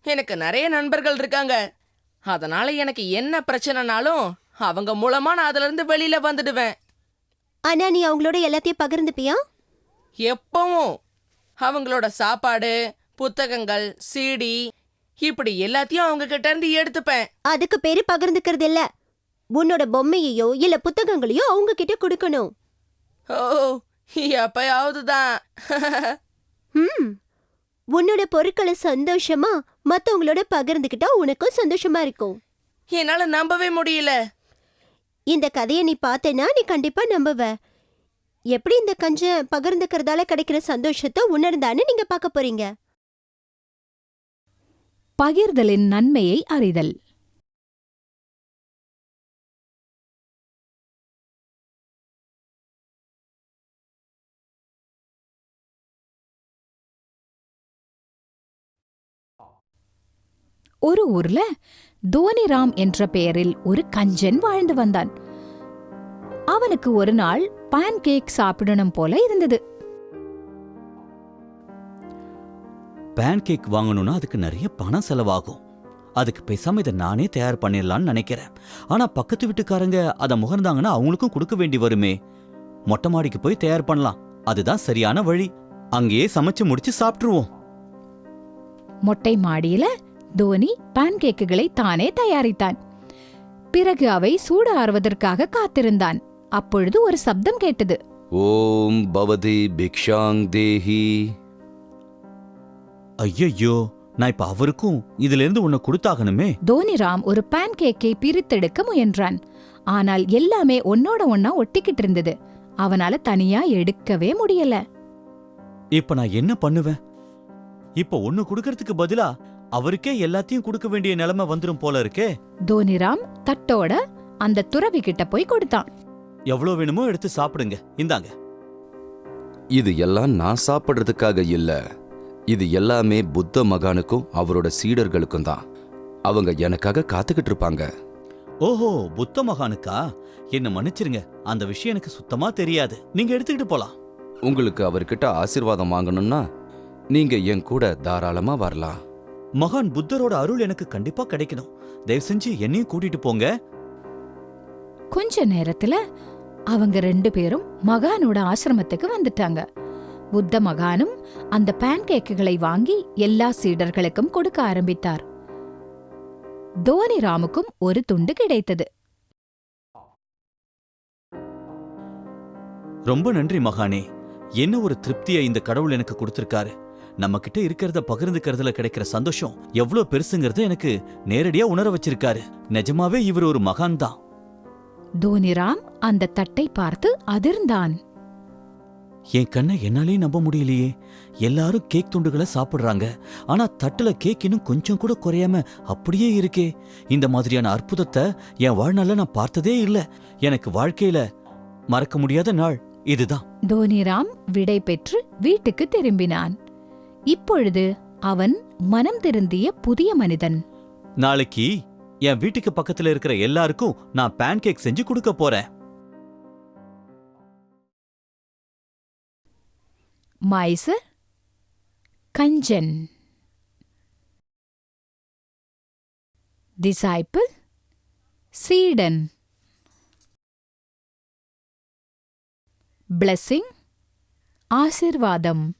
எனக்கு நிறைய நண்பர்கள் இருக்காங்க. அதனால எனக்கு என்ன பிரச்சனைனாலும் அவங்க மூலமா நான் அதுல இருந்து வெளியில வந்துடுவேன். ஆனா நீ அவங்களோட எல்லாத்தையும் பகிர்ந்துப்பியா? எப்பவும் அவங்களோட சாப்பாடு, புத்தகங்கள், சிடி இப்படி எல்லாத்தையும் அவங்க கிட்ட இருந்து எடுத்துப்பேன். அதுக்கு பேரு பகிர்ந்துக்கிறது இல்ல. உன்னோட பொம்மையையோ இல்ல புத்தகங்களையோ அவங்க கிட்ட கொடுக்கணும். ஓ, எப்பயாவதுதான். உன்னோட பொருட்களை சந்தோஷமா மத்தவங்களோட பகிர்ந்துக்கிட்டா உனக்கும் சந்தோஷமா இருக்கும். என்னால நம்பவே முடியல. இந்த கதையை நீ பார்த்தேன்னா நீ கண்டிப்பா நம்புவ. எப்படி இந்த கஞ்ச பகிர்ந்துக்கிறதால கிடைக்கிற சந்தோஷத்தை உணர்ந்தான்னு நீங்க பார்க்க போறீங்க. பகிர்தலின் நன்மையை அறிதல். ஒரு ஊர்ல தோனிராம் என்ற பெயரில் ஒரு கஞ்சன் வாழ்ந்து வந்தான். அவனுக்கு ஒரு நாள் பான் கேக் சாப்பிடணும் போல இருந்தது. பேன் கேக் வாங்கணும்னா அதுக்கு நிறைய பணம் செலவாகும். அதுக்கு பேசாம இதை நானே தயார் பண்ணிடலான்னு நினைக்கிறேன். ஆனா பக்கத்து வீட்டுக்காரங்க அதை முகர்ந்தாங்கன்னா அவங்களுக்கும் கொடுக்க வேண்டி வருமே. மொட்டை மாடிக்கு போய் தயார் பண்ணலாம், அதுதான் சரியான வழி. அங்கேயே சமைச்சு முடிச்சு சாப்பிட்டுருவோம். மொட்டை மாடியில தோனி பான் கேக்குகளை தானே தயாரித்தான். பிறகு அவை சூடு ஆறுவதற்காக காத்திருந்தான். அப்பொழுது ஒரு சப்தம் கேட்டது. ஓம் பவதி பிக்ஷாங் தேஹி. ஐயோ, நான் இப்ப அவருக்கும் இதுல இருந்து உன்னை கொடுத்தாகணுமே. தோனிராம் ஒரு பான் கேக்கை பிரித்தெடுக்க முயன்றான். ஆனால் எல்லாமே ஒன்னோட ஒன்னா ஒட்டிக்கிட்டு இருந்தது. அவனால தனியா எடுக்கவே முடியல. இப்ப நான் என்ன பண்ணுவேன்? இப்ப ஒன்னு கொடுக்கறதுக்கு பதிலா அவருக்கே எல்லாத்தையும் கொடுக்க வேண்டிய நிலைமை வந்துரும் போல இருக்கே. தோனிராம் தட்டோட அந்த துறவி கிட்ட போய் கொடுத்தான். எவ்வளவு வேணுமோ எடுத்து சாப்பிடுங்க, இந்தாங்க. இது எல்லாம் நான் சாப்பிடுறதுக்காக இல்ல. இது எல்லாமே புத்த மகானுக்கும் அவரோட சீடர்களுக்கும் தான். அவங்க எனக்காக காத்துக்கிட்டு இருப்பாங்க. ஓஹோ, புத்த மகானுக்கா? என்ன மன்னிச்சிருங்க, அந்த விஷயம் எனக்கு சுத்தமா தெரியாது. நீங்க எடுத்துக்கிட்டு போலாம். உங்களுக்கு அவர்கிட்ட ஆசீர்வாதம் வாங்கணும்னா நீங்க என் கூட தாராளமா வரலாம். மகான் புத்தரோட அருள் எனக்கு கண்டிப்பா கிடைக்கணும். தயவு செஞ்சு என்னையும் கூட்டிட்டு போங்க. கொஞ்ச நேரத்துல அவங்க 2 பேரும் மகானோட ஆசிரமத்துக்கு வந்துட்டாங்க. புத்த மகானும் அந்த பான் கேக்குகளை வாங்கி எல்லா சீடர்களுக்கும் கொடுக்க ஆரம்பித்தார். தோனிராமுக்கும் ஒரு துண்டு கிடைத்தது. ரொம்ப நன்றி மகானே. என்ன ஒரு திருப்தியை இந்த கடவுள் எனக்கு கொடுத்திருக்காரு. நம்ம கிட்ட இருக்கிறத பகிர்ந்துக்கிறதுல கிடைக்கிற சந்தோஷம் எவ்வளவு பெருசுங்கிறத எனக்கு நேரடியா உணர வச்சிருக்காரு. நிஜமாவே இவர் ஒரு மகான் தான். தோனிராம் அந்த தட்டை பார்த்து அதிர்ந்தான். என் கண்ணை என்னாலே நம்ப முடியலையே. எல்லாரும் கேக் துண்டுகளை சாப்பிடுறாங்க, ஆனா தட்டுல கேக் இன்னும் கொஞ்சம் கூட குறையாம அப்படியே இருக்கே. இந்த மாதிரியான அற்புதத்தை என் வாழ்நாள்ல நான் பார்த்ததே இல்ல. எனக்கு வாழ்க்கையில மறக்க முடியாத நாள் இதுதான். தோனிராம் விடை பெற்று வீட்டுக்கு திரும்பினான். இப்பொழுது அவன் மனம் திருந்திய புதிய மனிதன். நாளைக்கு என் வீட்டுக்கு பக்கத்துல இருக்கிற எல்லாருக்கும் நான் பேன் கேக் செஞ்சு கொடுக்க போறேன். மைசர் கஞ்சன். டிசைபிள் சீடன். பிளெஸிங் ஆசிர்வாதம்.